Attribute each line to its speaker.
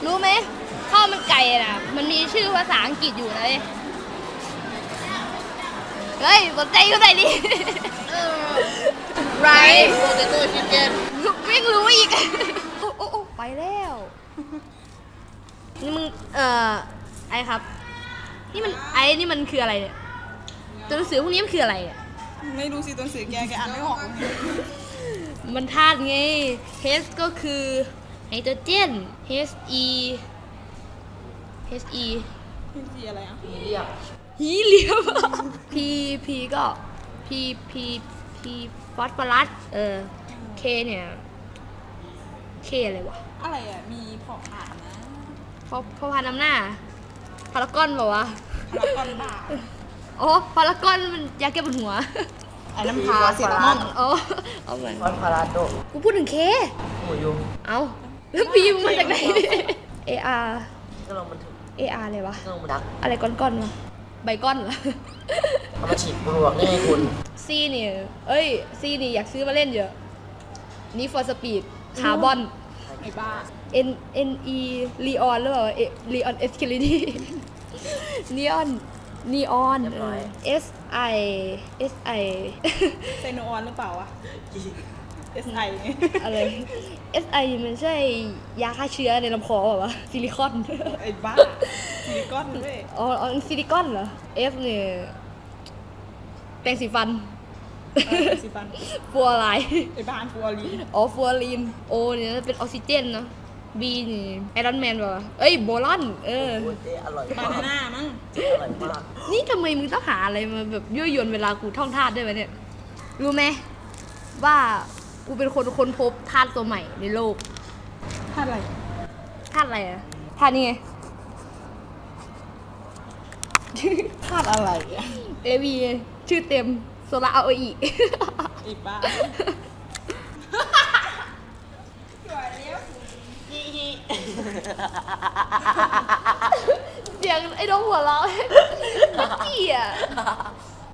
Speaker 1: รู้ไหมข้าวมันไก่น่ะมันมีชื่อภาษาอังกฤษอยู่นะเฮ้ยสนใจก็ได้ดิไร
Speaker 2: โปเตโต้ชิคเก้น
Speaker 1: ไม่รู้อีกโอ้ไปแล้วนี่มึงไอ้ครับนี่มันคืออะไรเนี่ยตัวหนังสือพวกนี้มันคืออะไรเนี่ย
Speaker 2: ไม่รู้สิตัวหนังสือแกอ่านไม่ออก
Speaker 1: มันธาตุไง H ก็คือไฮโดรเจน He He
Speaker 2: พี่อะไรอ่ะ
Speaker 3: เรียบ
Speaker 1: ฮีเลียม P ก็ P ฟอสฟอรัสK เนี่ย K อะไรวะ
Speaker 2: อะไรอ่ะมีพออ่านนะ
Speaker 1: พอพานำหน้าพารากอนบอกว่าวะ
Speaker 2: พารากอนบ้า
Speaker 1: อ๋อพารากอนมันยาแก้ปวดหัว
Speaker 2: ไอ้น้ำพาเซรามอน
Speaker 1: อ๋อเอาเหมือน
Speaker 3: ฟอนพาราโด
Speaker 1: กูพูดถึงเค
Speaker 3: หมูยุง
Speaker 1: เอาแล้วพีมงมาจากไหน AR
Speaker 3: ก็ลองมันถึง
Speaker 1: AR อะไรวะ
Speaker 3: ก็ลองมันดัก
Speaker 1: อะไรก้อนๆวะใบก้อนเหรอ
Speaker 3: เอามาฉีดปลวกนี่ไงคุณ
Speaker 1: C นี่C นี่อยากซื้อมาเล่นเยอะนี่ for speed คาร์บอน
Speaker 2: ไอ้บ้า
Speaker 1: NE ลีออนหรือเปล่าลีออนเอสคิลิดี้นีออน SI
Speaker 2: ไซโนออนหรือเปล่าวะ SI
Speaker 1: อะไร SI มันใช่ยาฆ่าเชื้อในลำคอเปล่าวะซิลิคอน
Speaker 2: ไอ้บ้าซิลิคอนด้วย
Speaker 1: อ๋อซิลิคอนเหรอ F เนี่ยแปรงสีฟัน
Speaker 2: สิฟัน
Speaker 1: ฟัวอะไร
Speaker 2: ไอ้บ้านฟัวลีน
Speaker 1: อ๋อฟัวรีน O เนี่ยเป็นออกซิเจนเนอะ B นี่ไอรอนแมนป่ะวะเอ้ยโบลอน
Speaker 3: โอ้ยเจ๊อร่อย
Speaker 2: บาม
Speaker 3: าก
Speaker 2: นาน่ามั้ง
Speaker 3: เจ๊อร่อยมาก
Speaker 1: นี่ทำไมมึงต้องหาอะไรมาแบบยั่วยวนเวลากูท่องธาตุด้วยวะเนี่ย รู้ไหมว่ากูเป็นคนค้นพบธาตุตัวใหม่ในโลก
Speaker 2: ท่าอะไร
Speaker 1: ธาตุอะไรอะธาตุนี่ไง
Speaker 2: ธาตุอะไรอ่ะ
Speaker 1: AV ชื่อเต็มโซลาอาโออิ
Speaker 2: ไอ้บ้า
Speaker 1: เสียงไอ้น้องหัวเราะ ไม่เกี่ย